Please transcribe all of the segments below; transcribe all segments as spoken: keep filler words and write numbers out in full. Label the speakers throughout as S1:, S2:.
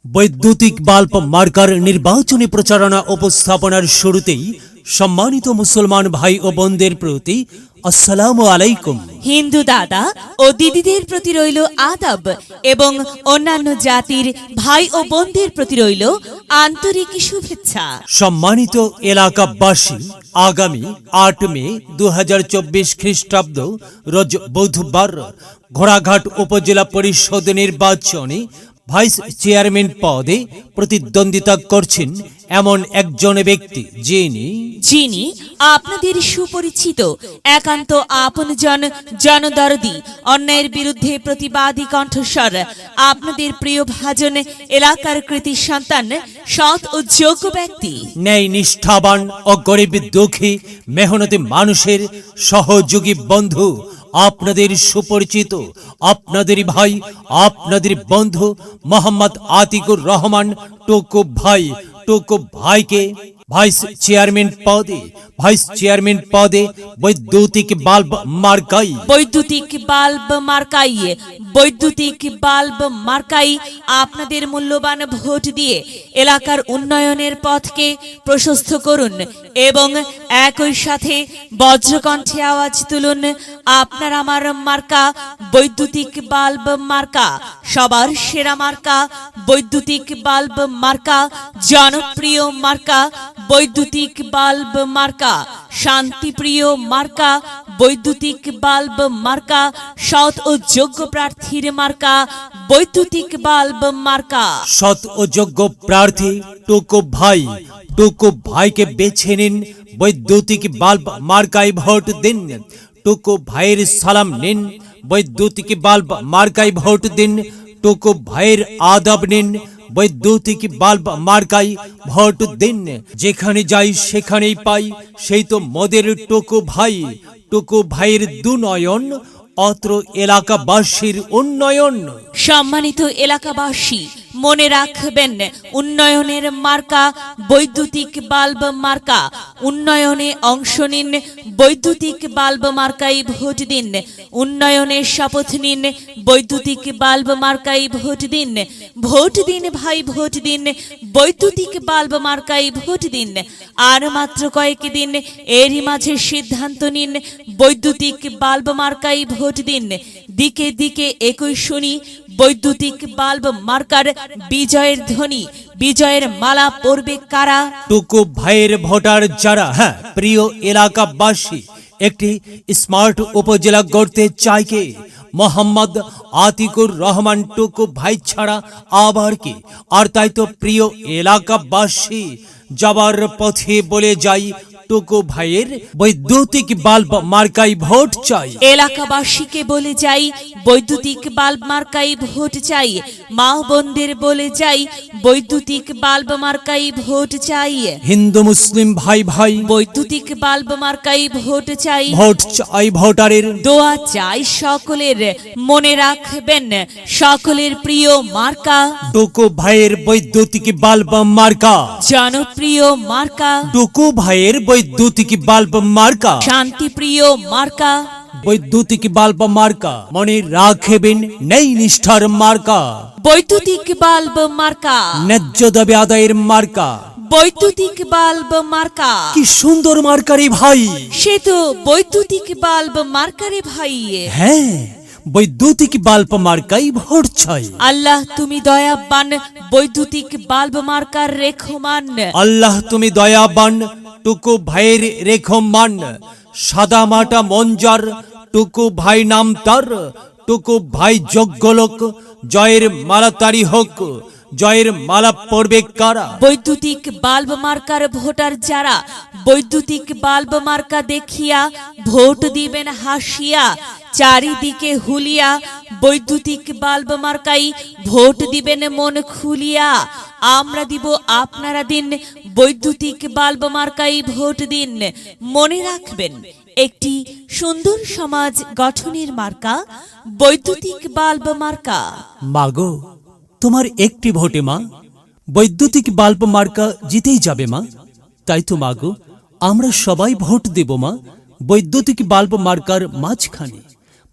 S1: বৈদ্যুতিক bulb marker নির্বাচনী প্রচারণা উপস্থাপনার শুরুতেই সম্মানিত মুসলমান ভাই ও বোনদের প্রতি আসসালামু আলাইকুম।
S2: হিন্দু দাদা ও দিদিদের প্রতি রইল আদাব এবং অন্যান্য জাতির ভাই ও বোনদের প্রতি রইল আন্তরিক শুভেচ্ছা।
S1: সম্মানিত এলাকাবাসী, আগামী আট মে দু হাজার চব্বিশ খ্রিস্টাব্দ রোজ বুধবার ঘোড়াঘাট উপজেলা পরিষদ নির্বাচনে ভাইস চেয়ারম্যান পদে প্রতিদ্বন্দ্বিতা করছেন এমন একজন ব্যক্তি যিনি
S2: যিনি আপনাদের সুপরিচিত, একান্ত আপনজন, জনদরদি, অন্যায়ের বিরুদ্ধে প্রতিবাদী কণ্ঠস্বর, আপনাদের প্রিয় ভাজন, এলাকার কৃতি সন্তান, সৎ ও যোগ্য ব্যক্তি,
S1: ন্যায় নিষ্ঠাবান ও গরিব দুঃখী মেহনতি মানুষের সহযোগী বন্ধু, আপনাদের সুপরিচিত, আপনাদের ভাই, আপনাদের বন্ধু মোহাম্মদ আতিকুর রহমান টুকু ভাই। টুকু ভাইকে ভাইস চেয়ারম্যান পদে ভাইস চেয়ারম্যান পদে বৈদ্যুতিক বাল্ব মার্কাই
S2: বৈদ্যুতিক বাল্ব মার্কাই বৈদ্যুতিক বাল্ব মার্কাই আপনাদের মূল্যবান ভোট দিয়ে এলাকার উন্নয়নের পথকে প্রশস্ত করুন এবং একই সাথে বজ্রকণ্ঠে আওয়াজ তুলুন, আপনার আমার মার্কা বৈদ্যুতিক বাল্ব মার্কা, সবার সেরা মার্কা বৈদ্যুতিক বাল্ব মার্কা, জনপ্রিয় মার্কা বৈদ্যুতিক বাল্ব মার্কা, শান্তিপ্রিয় মার্কা বৈদ্যুতিক বাল্ব মার্কা, সৎ ও যোগ্য প্রার্থীর মার্কা বৈদ্যুতিক বাল্ব মার্কা।
S1: সৎ ও যোগ্য প্রার্থী টুকু ভাই। টুকু ভাইকে বেছে নিন, বৈদ্যুতিক বাল্ব মার্কায় ভোট দিন। টুকু ভাইয়ের সালাম নিন, বৈদ্যুতিক বাল্ব মার্কায় ভোট দিন। টুকু ভাইয়ের আদব নিন, বৈদ্যুতিক বাল্ব মার্কাই ভোট দিন। যেখানে যাই সেখানেই পাই, সেই তো মোদের টুকু ভাই। টুকু ভাইয়ের দুনয়ন, অত্র এলাকাবাসীর উন্নয়ন।
S2: সম্মানিত এলাকাবাসী, মনে রাখবেন, উন্নয়নের মার্কা বৈদ্যুতিক বাল্ব মার্কা। উন্নয়নে অংশ নিন, বৈদ্যুতিক বাল্ব মার্কাই ভোট দিন। উন্নয়নের শপথ নিন, বৈদ্যুতিক বাল্ব মার্কাই ভোট দিন। ভোট দিন ভাই, ভোট দিন, বৈদ্যুতিক বাল্ব মার্কাই ভোট দিন। আর মাত্র কয়েক দিন, এরই মাঝে সিদ্ধান্ত নিন, বৈদ্যুতিক বাল্ব মার্কাই ভোট দিন। দিকে দিকে একই শুনি, বৈদ্যুতিক বাল্ব মার্কার বিজয়ের ধ্বনি, বিজয়ের মালা পরবে কারা?
S1: টুকু ভাইয়ের ভোটার যারা। হ্যাঁ প্রিয় এলাকাবাসী, একটি স্মার্ট উপজেলা গড়তে চাই কে? মোহাম্মদ আতিকুর রহমান টুকু ভাই ছাড়া আবার কি? আর তাই তো প্রিয় এলাকাবাসী, যাবার পথে বলে যাই, টুকু ভাইয়ের বৈদ্যুতিক বাল্ব মার্কাই ভোট চাই।
S2: এলাকাবাসীকে বলে যাই, বৈদ্যুতিক বাল্ব মার্কাই ভোট চাই। মা বোনদের বলে যাই, বৈদ্যুতিক বাল্ব মার্কাই ভোট চাই।
S1: হিন্দু মুসলিম ভাই ভাই,
S2: বৈদ্যুতিক বাল্ব মার্কাই ভোট চাই।
S1: ভোট চাই ভোটারের,
S2: দোয়া চাই সকলের। মনে রাখবেন, সকলের প্রিয় মার্কা
S1: টুকু ভাইয়ের বৈদ্যুতিক বাল্ব মার্কা,
S2: জনপ্রিয় মার্কা
S1: টুকু ভাইয়ের বৈদ্যুতিক বাল্ব মার্কা,
S2: শান্তিপ্রিয় মার্কা
S1: বৈদ্যুতিক বাল্ব মার্কা। মনে রাখবেন, নেই নিষ্ঠার মার্কা,
S2: বৈদ্যুতিক বাল্ব মার্কা,
S1: ন্যায্য দাবি আদায়ের মার্কা।
S2: বৈদ্যুতিক বাল্ব মার্কা,
S1: কি সুন্দর মার্কারে ভাই।
S2: সে তো বৈদ্যুতিক বাল্ব মার্কারে ভাই।
S1: হ্যাঁ, বৈদ্যুতিক বাল্ব মার্কাই ভোট চাই।
S2: আল্লাহ তুমি দয়াবান, বৈদ্যুতিক বাল্ব মার্কার রেখমান।
S1: আল্লাহ তুমি দয়াবান, টুকু ভাইয়ের রেখমান। সাদা মাটা মঞ্জার, টুকু ভাই নাম তার। টুকু ভাই যোগ্য লোক, জয়ের মালা তারি হোক। জয়ের মালা পড়বে কারা?
S2: বৈদ্যুতিক বাল্ব মার্কার ভোটার যারা, বৈদ্যুতিক বাল্ব মার্কা দেখিয়া ভোট দিবেন হাসিয়া। চারিদিকে হুলিয়া, বৈদ্যুতিক বাল্ব মার্কাই ভোট দিবেন মন খুলিয়া। আমরা দিব, আপনারা দিন, বৈদ্যুতিক বাল্ব মার্কাই ভোট দিন। মনে রাখবেন, একটি সুন্দর সমাজ গঠনের মার্কা বৈদ্যুতিক বাল্ব মার্কা।
S1: মাগো, তোমার একটি ভোটে মা বৈদ্যুতিক বাল্ব মার্কা জিতেই যাবে মা। তাই তো মাগো, আমরা সবাই ভোট দেব মা বৈদ্যুতিক বাল্ব মার্কার মাঝখানে।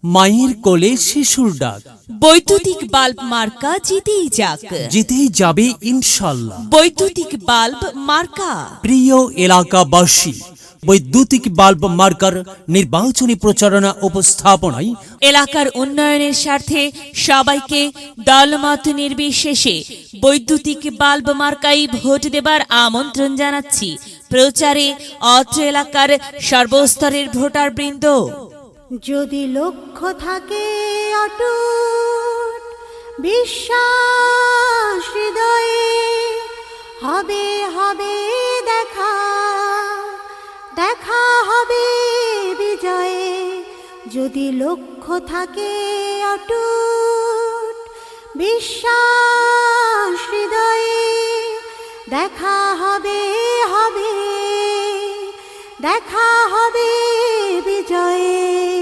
S1: মায়ের কোলে শিশুর ডাক,
S2: বৈদ্যুতিক বাল্ব মার্কা জিতেই যাক,
S1: জিতেই যাবে ইনশাল্লাহ।
S2: বৈদ্যুতিক বাল্ব মার্কা।
S1: প্রিয় এলাকাবাসী, বৈদ্যুতিক বাল্ব মার্কার নির্বাচনী প্রচারণা উপস্থাপনায়
S2: এলাকার উন্নয়নের স্বার্থে সবাইকে দলমত নির্বিশেষে বৈদ্যুতিক বাল্ব মার্কাই ভোট দেবার আমন্ত্রণ জানাচ্ছি। প্রচারে অত্র এলাকার সর্বস্তরের ভোটারবৃন্দ।
S3: যদি লক্ষ্য থাকে অটুট বিশ্বাস হৃদয়ে, হবে হবে দেখা, দেখা হবে বিজয়ে। যদি লক্ষ্য থাকে অটুট বিশ্বাস হৃদয়ে, দেখা হবে হবে, দেখা হবে বিজয়ে।